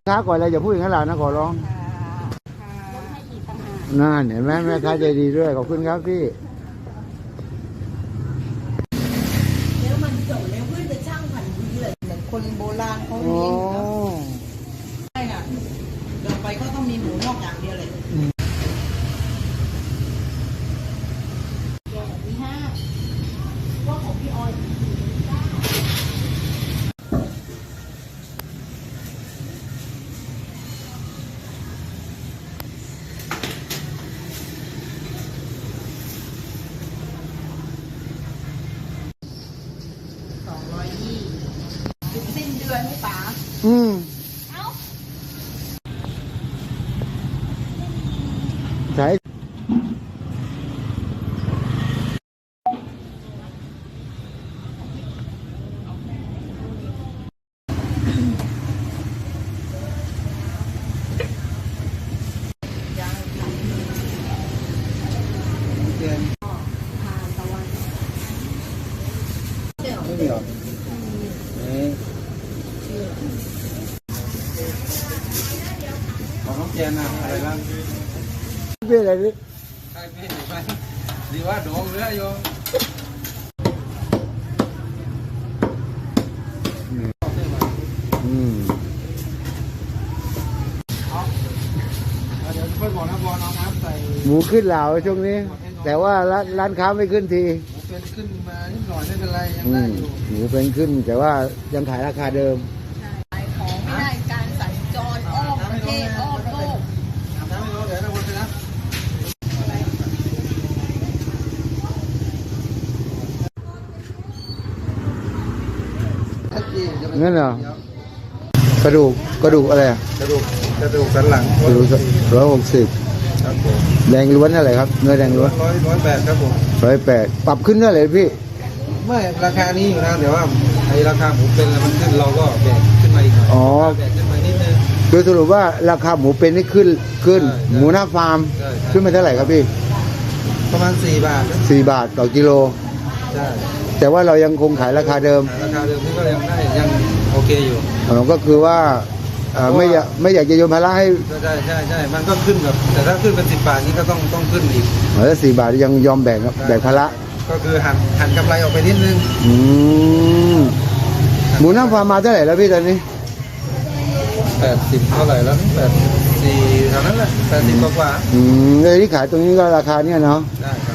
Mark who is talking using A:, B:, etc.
A: ค้าก่อนเลยอย่าพูดอย่างนั้นหล่ะนะขอร้องนั่นเห็นไหมแม่ค้าใจดีด้วยขอบคุณครับพี่
B: แล้วมันจบแล้วเพื่อนจะช่างผันดีเลยเหมือนคนโบราณเขาเลี้ยงครับใช่น่ะต่อไปก็ต้องมีหมูนอกอย่างเดียวเลยว่าของพี่ออยถึงสิ้นเดือนให้ป๋า
A: ใช่ไม่มีหรอ
C: ของน้องเจนนะอะไรบ้าง
A: เป็นอะไรดิ
C: ใช่ไม่ไม่ดีว่าโดงเรือโยมเดี๋ยวค่อยบอกนะบอลน้องน้ำใส่
A: หมูขึ้นเหล่าช่วงนี้แต่ว่าร้านค้าไม่ขึ้นที
C: หมูเป็นขึ้นมานิดหน่อยไม่เป็นไรยังได้อยู่
A: หมูเป็นขึ้นแต่ว่ายังขายราคาเดิม
B: ขายของไม่ได้การสัญจรอ้อมประเทศอ้อมโลก
C: อาบน้ำไม่ร้อนเดี๋ยวเราวนไปนะ
A: นั่นเหรอกระดูกอะไรอ่ะ
C: กระดูกสันหลัง
A: 160
C: ครับผม
A: แดงล้วนเท่าไหร่ครับเนื้อแดงล้วน
C: 108ครับผม
A: 108ปรับขึ้นเท่าไหร่พี่
C: ไม่ราคานี้อยู่นะเดี๋ยวว่าไอ้ราคาหมูเป็นแล้วมันขึ้นเราก็แบกขึ้นมาอีกหน่อยแบกขึ้นมานิดนึง
A: คือสรุปว่าราคาหมูเป็นนี่ขึ้นหมูหน้าฟาร์มขึ้นมาเท่าไหร่ครับพี่
C: ประมาณ4 บาท
A: 4 บาทต่อกิโล
C: ใช่
A: แต่ว่าเรายังคงขายราคาเดิม
C: นี่ก็ยังได้ยังโอเคอยู่
A: ก็คือว่าไม่อยากจะโยนภาระให้
C: ใช่มันก็ขึ้นกับแต่ถ้าขึ้นเป็น10 บาทนี้ก็ต้องขึ้นอีก
A: แล้ว4 บาทยังยอมแบ่งภาระ
C: ก็คือหันกำไรออกไปนิดนึง
A: หมูหน้าฟาร์มมาเท่าไหร่แล้วพี่ตอนนี้
C: 80เท่าไหร่แล้ว84เท่านั้นแหละ80กว่า
A: เลยที่ขายตรงนี้ก็ราคาเนี่ยเนาะ
C: ได้ครับ